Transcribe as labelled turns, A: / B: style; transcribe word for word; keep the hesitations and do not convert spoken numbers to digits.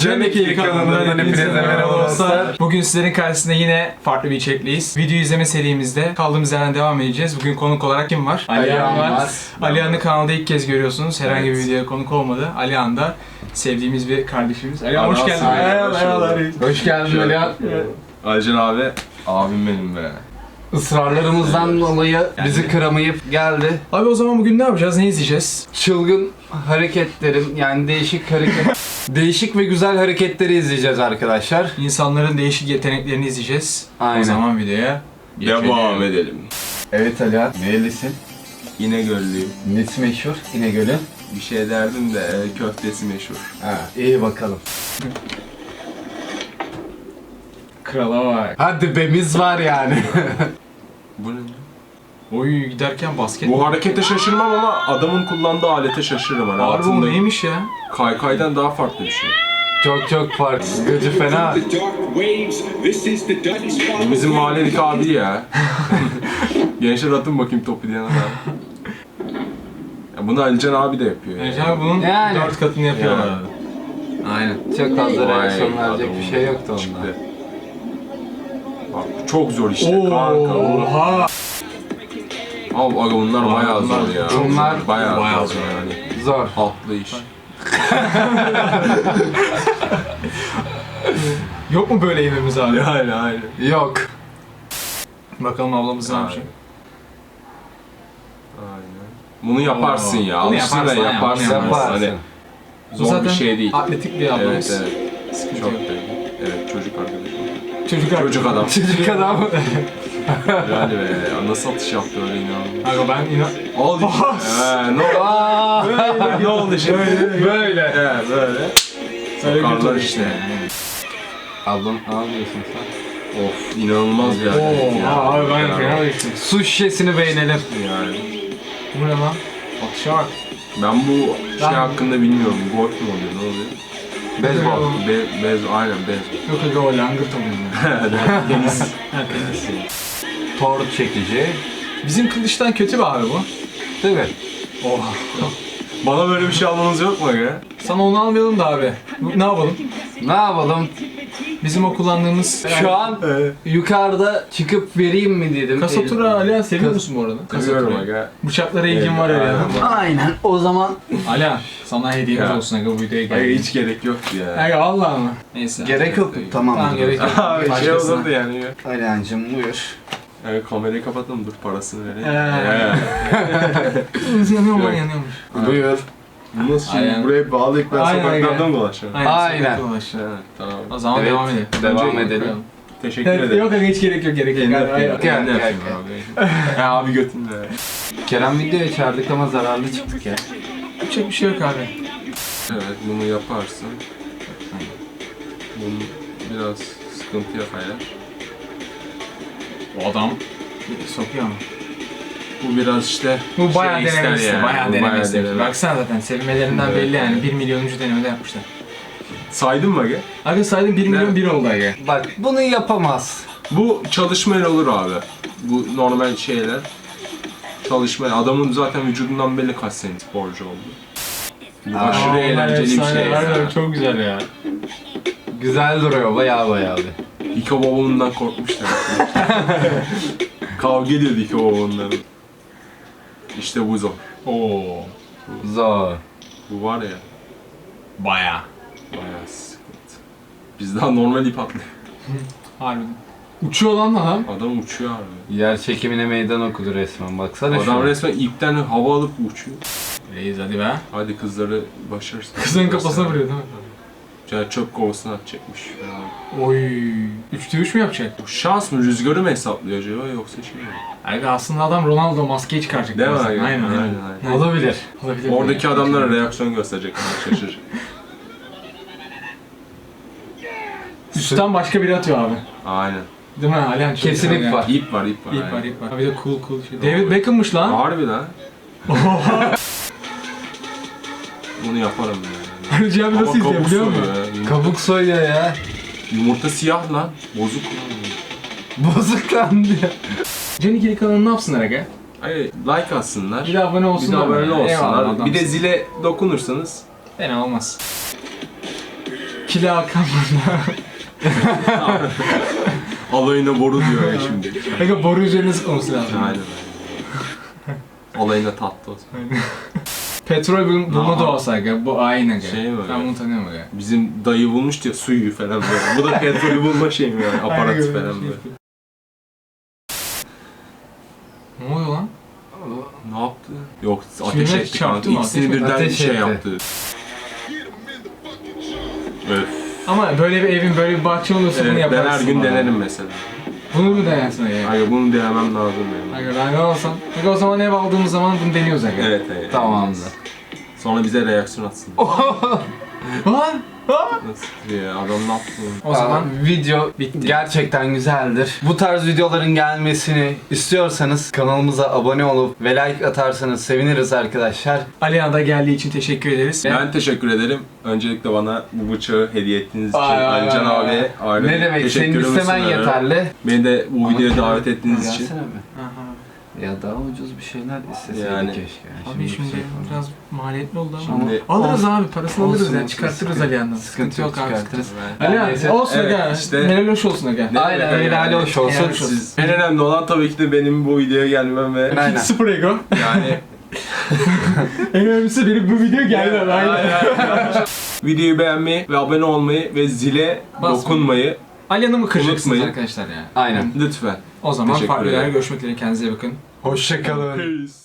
A: Canikili kanalından hepinize merhaba dostlar. Bugün sizlerin karşısında yine farklı bir içerikliyiz. Video izleme serimizde kaldığımız yerden devam edeceğiz. Bugün konuk olarak kim var? Alihan var. Alihan'ı kanalda ilk kez görüyorsunuz. Herhangi evet. bir videoya konuk olmadı. Alihan da sevdiğimiz bir kardeşimiz. Alihan hoş geldin.
B: Merhabalar.
C: Hoş geldin Alihan.
B: Alican abi, abim benim be.
C: Israrlarımızdan evet. dolayı bizi yani. kıramayıp geldi.
A: Abi o zaman bugün ne yapacağız? Ne izleyeceğiz?
C: Çılgın hareketlerin yani değişik hareket değişik ve güzel hareketleri izleyeceğiz arkadaşlar.
A: İnsanların değişik yeteneklerini izleyeceğiz. Aynen. O zaman videoya
B: devam edelim.
C: Evet Alihan, nerelisin?
B: İnegöllüyüm.
C: Nesi meşhur İnegöl'ün?
B: Bir şey derdim de köftesi meşhur.
C: Ha, iyi bakalım.
A: Krala bak.
C: Hadi bemiz var yani.
B: Bu ne?
A: Oy giderken basket.
B: Bu harekete şaşırmam ama adamın kullandığı alete şaşırırım. Hani
A: Harbi o neymiş ya?
B: Kaykaydan daha farklı bir şey.
C: Çok çok farklı. Gıcı fena.
B: Bu bizim mahalledeki abi ya. Gençler atın bakayım topu diyen adam. Ya bunu Alican abi de yapıyor.
A: Yani. Alican bunun yani. dört katını yapıyorlar.
B: Yani.
C: Aynen. Çok fazla reaksiyon verecek bir şey yoktu onda.
B: Çıktı. Bak çok zor işte
A: Oo,
B: kanka.
A: Oha.
B: Abi aga bunlar bayağı zor ya.
C: Bunlar
B: bayağı,
A: bayağı
B: zor yani.
C: Zor.
B: Atlı iş.
A: Yok mu böyle evimiz abi?
B: Aynen aynen.
C: Yok.
A: Bakalım ablamız ne yapacak?
B: Aynen. Bunu yaparsın ya.
A: Bunu
B: Alışsın
A: yaparsın,
B: da yaparsın.
C: yaparsın.
B: Hani zor
A: zaten
B: bir şey değil.
A: Atletik bir ablamız.
B: Evet evet.
A: Sıkıntı
B: Çok
A: yok.
B: değil. Evet çocuk arkadaşım.
A: Çocuk,
B: Çocuk adam.
C: Çocuk adam.
B: Yani be nasıl atış yaptı öyle inanılmaz.
A: Aga ben inan...
B: Al işte. Eee ne oldu? Böyle ne oldu şimdi?
C: Böyle. Böyle.
B: Evet böyle. Sokarlar işte.
C: Ablam ne yapıyorsun sen?
B: Of inanılmaz bir hareket
A: Oo,
B: ya.
A: abi ben fena değiştim.
C: Su şişesini beğenelim.
B: Yani.
A: Bu ne lan? Atışa bak.
B: Ben bu şey
A: Ben-
B: hakkında bilmiyorum. Golf mu oluyor? Ne oluyor?
C: Beyzbol.
B: Be bez aynen bez.
A: Yok aga o langırt oluyor.
B: Deniz.
A: Ha tenis.
C: Torp çekici.
A: Bizim kılıçtan kötü bir abi bu.
C: Tabii.
A: Oh.
B: Bana böyle bir şey almanız yok mu ya?
A: Sana onu almayalım da abi. Ne yapalım?
C: Ne yapalım?
A: Bizim o kullandığımız...
C: Şu an yukarıda çıkıp vereyim mi dedim.
A: Kasatura Alihan seviyor musun bu arada?
B: Seviyorum
A: Kasatura'yı.
B: aga.
A: Bıçaklara ilgin var
B: Aynen.
A: Alihan.
C: Aynen. O zaman
A: Alihan sana hediyemiz
B: Ya.
A: olsun aga bu videoya
B: Aga
A: gel.
B: hiç gerek yoktu ya.
A: Aga Allah mı? Neyse.
C: gerek yok. Tamam.
A: Tamam gerek yok.
B: Abi şey
A: Başkasına.
B: olurdu yani ya.
C: Alihan'cım buyur.
B: Yani kamerayı kapatalım dur parasını vereyim.
A: Kırmızı yanıyor mu lan yanıyormuş.
C: Buyur.
B: Bu nasıl şimdi?
A: Aynen.
B: Buraya bağlayıp ben
A: Aynen,
B: sokaklardan
A: aynen.
B: dolaşıyorum.
C: Aynen.
A: sıkıntı ulaş.
B: Evet, tamam.
A: O zaman
C: Evet,
A: devam edelim.
C: devam
A: Önce-
C: edelim.
B: Teşekkür
A: Evet,
B: ederim.
A: yok aga hiç gerek yok gerek yok.
B: Kendi
A: Aynen,
B: yapayım.
A: aynen.
C: Gel,
B: Kendi
C: gel,
B: yapayım abi. Ya abi götünde.
C: Kerem videoya çağırdık ama zararlı çıktık ya.
A: Yapacak bir şey yok abi.
B: Evet bunu yaparsın. Bunu biraz sıkıntıya kayar.
A: O adam sokuyor mu?
B: Bu biraz işte
A: Bu bayağı
B: şey ister
A: denemesi,
B: yani.
A: bayağı
B: Bu
A: denemesi.
B: deneme.
A: Baksana zaten sevmelerinden
B: Evet,
A: belli yani.
B: evet.
A: bir milyonuncu denemede yapmışlar.
B: Saydın mı aga?
A: Aga saydım bir milyon bir oldu aga.
C: Bak bunu yapamaz.
B: Bu çalışmayla olur abi. Bu normal şeyler. Çalışma. Adamın zaten vücudundan belli kaç sene sporcu oldu. Bu aşırı
A: Aa,
B: eğlenceli bir şey ya.
A: harbiden çok güzel ya.
C: Güzel duruyor bayağı bayağı bir.
B: İko babamından korkmuşlar. Kavga ediyordu İko babamından. İşte bu zor.
A: Oo.
C: Zor.
B: Bu var ya.
A: Bayağı.
B: Bayağı sıkıntı. Biz daha normal ip atlıyor.
A: Harbiden. Uçuyor lan adam.
B: Adam uçuyor abi.
C: Yer çekimine meydan okudu resmen. Baksana
B: Adam
C: şu.
B: resmen ipten hava alıp uçuyor.
A: Reis hadi be.
B: Hadi kızları başarırsın.
A: Kızın kafasına vuruyor değil mi?
B: Ya çöp kovasına atacakmış falan.
A: Oy. Üçte üç mü yapacak?
B: Bu şans mı, rüzgarı mı hesaplıyor acaba yoksa şey mi?
A: Aga aslında adam Ronaldo maskeyi çıkaracak.
B: Değil mi?
A: birazdan.
B: Aynen,
A: Aynen.
B: aynen, aynen.
C: Olabilir.
A: Olabilir.
B: Oradaki
A: yani.
B: adamlara reaksiyon gösterecek. Şaşır.
A: Üstten başka biri atıyor abi.
B: Aynen.
A: Değil mi? Alihan çok
C: Kesin
A: güzel
C: ip
A: ya.
C: var.
B: İp var, ip var.
A: İp
B: aynen.
A: var, ip var. Bir de cool cool şey. David Beckham'mış lan.
B: Harbi lan. Bunu yaparım yani.
A: Hacı abi
B: Ama
A: nasıl izliyor
B: kabuk
A: biliyor musun?
B: soyuyor ya. Yumurta,
C: Kabuk soyuyor ya.
B: yumurta siyah lan. Bozuk.
C: Bozuklandı ya.
A: Canikili kanalı ne yapsınlar aga?
B: Hayır, like atsınlar.
A: Bir de abone
B: Bir de
A: olsunlar.
B: abone
A: Eyvallah,
B: olsunlar.
A: adamsın.
B: Bir de zile dokunursanız.
A: Fena olmaz. ikili Hakan burada.
B: Alayına boru diyor ya şimdi.
A: Kanka boru üzerine sıkılması lazım.
B: Aynen öyle. Alayına tatlı olsun.
A: Petrol bul- bulma
B: Aha.
A: doğası aga. Bu aynı aga.
B: Şey mi
A: Ben
B: öyle?
A: bunu tanıyorum aga.
B: Bizim dayı bulmuş diyor suyu falan böyle. Bu da petrolü bulma şey mi yani? Aparatı
A: Aynen
B: falan
A: öyle.
B: böyle.
A: Ne oluyor lan?
B: Ne yaptı? Yok ateş
A: Şimdi
B: etti
A: çarptı
B: kanka.
A: mı?
B: İkisini
A: Ateş mi?
B: birden
C: Ateş
B: şey
C: etti.
B: yaptı. Evet.
A: Ama böyle bir evin böyle bir bahçe olursa bunu
B: Evet, ben
A: yaparsın.
B: her gün
A: bana.
B: denerim mesela.
A: Bunu mu denersin aga?
B: Hayır bunu denemem lazım benim.
A: Aga ben ne olsam? Aga o zaman ev aldığımız zaman bunu deniyoruz aga.
B: Evet evet.
C: Tamamdır.
B: Sonra bize reaksiyon atsın.
A: Lan! Lan!
B: Nasıl ya adam ne yaptı?
A: O zaman
C: Aa, video
A: bitti.
C: gerçekten güzeldir. Bu tarz videoların gelmesini istiyorsanız kanalımıza abone olup ve like atarsanız seviniriz arkadaşlar.
A: Alihan da geldiği için teşekkür ederiz.
B: Ben teşekkür ederim. Öncelikle bana bu bıçağı hediye ettiğiniz için
C: Ay, ay,
B: Alican
C: ay,
B: abi,
C: ay.
B: aile
C: Ne demek, senin
B: teşekkürümü
C: istemen
B: sunarım.
C: yeterli.
B: Beni de bu
C: Ama
B: videoya
C: tabii,
B: davet ettiğiniz için.
C: gelsene be.
A: Aha.
C: Ya daha ucuz bir şeyler isteseydik
B: Yani.
C: keşke.
A: Abi şimdi
C: yüksek
A: biraz maliyetli oldu ama.
B: Şimdi-
A: Alırız abi, parasını
C: Olsun,
A: alırız ya,
C: olsun,
A: çıkartırız
C: sıkıntı-
A: Alihan'dan.
C: sıkıntı
A: Sıkıntı yok
C: yok,
A: abi.
C: çıkartırız.
B: Ben-
A: Alihan
C: neyse.
A: olsun
B: Evet,
A: aga.
B: işte-
A: Helal hoş olsun aga.
B: Ne
C: Aynen,
B: demek
C: helal
B: yani?
C: hoş olsun.
A: Helal hoş olsun.
B: Siz, en önemli olan tabii ki de benim bu videoya gelmem ve
C: Aynen.
A: Sıfır ego.
B: yani
A: En önemlisi benim bu video gelmem. Aynen.
B: videoyu beğenmeyi ve abone olmayı ve zile
A: Basmayın.
B: dokunmayı
A: Alihan'ı mı kıracaksınız
B: Unutmayın.
A: arkadaşlar ya?
C: Aynen.
B: lütfen.
A: O zaman
B: Teşekkür
A: farklı
B: ederim.
A: yerlere görüşmek dileğiyle, kendinize iyi bakın.
C: Hoşçakalın.
B: Peace.